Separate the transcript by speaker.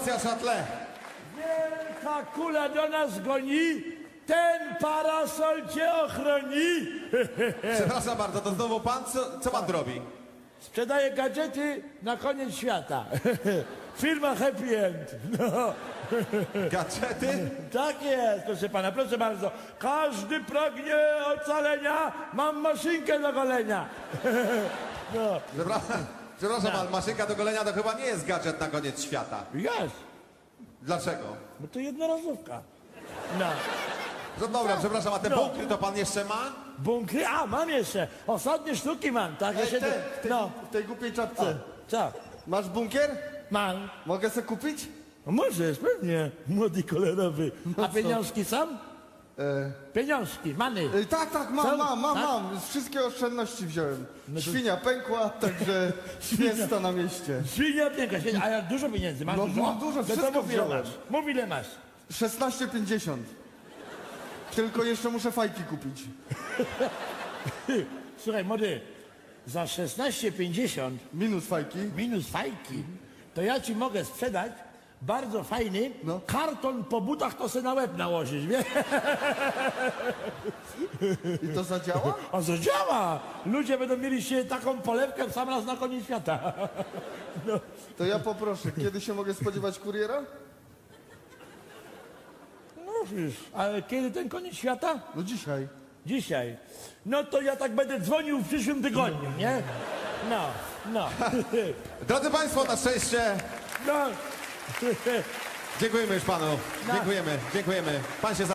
Speaker 1: sytuacja, szatle?
Speaker 2: Wielka kula do nas goni, ten parasol cię ochroni.
Speaker 1: Przepraszam bardzo, to znowu pan? Co pan robi?
Speaker 2: Sprzedaje gadżety na koniec świata. Firma Happy End. No,
Speaker 1: Gadżety?
Speaker 2: tak jest, proszę pana, proszę bardzo. Każdy pragnie ocalenia, mam maszynkę do golenia. No,
Speaker 1: Przepraszam, ale maszynka do golenia to chyba nie jest gadżet na koniec świata.
Speaker 2: jest,
Speaker 1: Dlaczego?
Speaker 2: bo to jednorazówka. No.
Speaker 1: No dobra, przepraszam, a te
Speaker 2: No.
Speaker 1: bunkry to pan jeszcze ma?
Speaker 2: Bunkry, a mam jeszcze, ostatnie sztuki mam, tak? Ja się no,
Speaker 3: w tej głupiej czapce.
Speaker 2: co?
Speaker 3: Masz bunkier?
Speaker 2: Mam.
Speaker 3: Mogę sobie kupić?
Speaker 2: No możesz, pewnie, młody kolorowy.
Speaker 3: No
Speaker 2: A
Speaker 3: co?
Speaker 2: pieniążki są? Pieniążki, money.
Speaker 3: Tak,
Speaker 2: Co?
Speaker 3: mam. Z wszystkie oszczędności wziąłem. Świnia pękła, także święta na mieście.
Speaker 2: Świnia piękna, świnia. A ja dużo pieniędzy masz?
Speaker 3: No, mam dużo,
Speaker 2: No to
Speaker 3: wszystko
Speaker 2: mów ile
Speaker 3: wziąłem.
Speaker 2: masz. Mów ile masz.
Speaker 3: 16,50. Tylko jeszcze muszę fajki kupić.
Speaker 2: Słuchaj, młody, za 16,50
Speaker 3: Minus fajki.
Speaker 2: minus fajki, to ja ci mogę sprzedać bardzo fajny
Speaker 3: No.
Speaker 2: karton po butach, to se na łeb nałożysz, wiesz?
Speaker 3: I to zadziała?
Speaker 2: A co działa? Ludzie będą mieli się taką polewkę w sam raz na koniec świata.
Speaker 3: To ja poproszę, kiedy się mogę spodziewać kuriera?
Speaker 2: No już, ale kiedy ten koniec świata?
Speaker 3: No dzisiaj.
Speaker 2: Dzisiaj. No to ja tak będę dzwonił w przyszłym tygodniu, nie? No, no.
Speaker 1: Drodzy państwo, na szczęście
Speaker 2: No.
Speaker 1: dziękujemy już panu. Dziękujemy. Pan się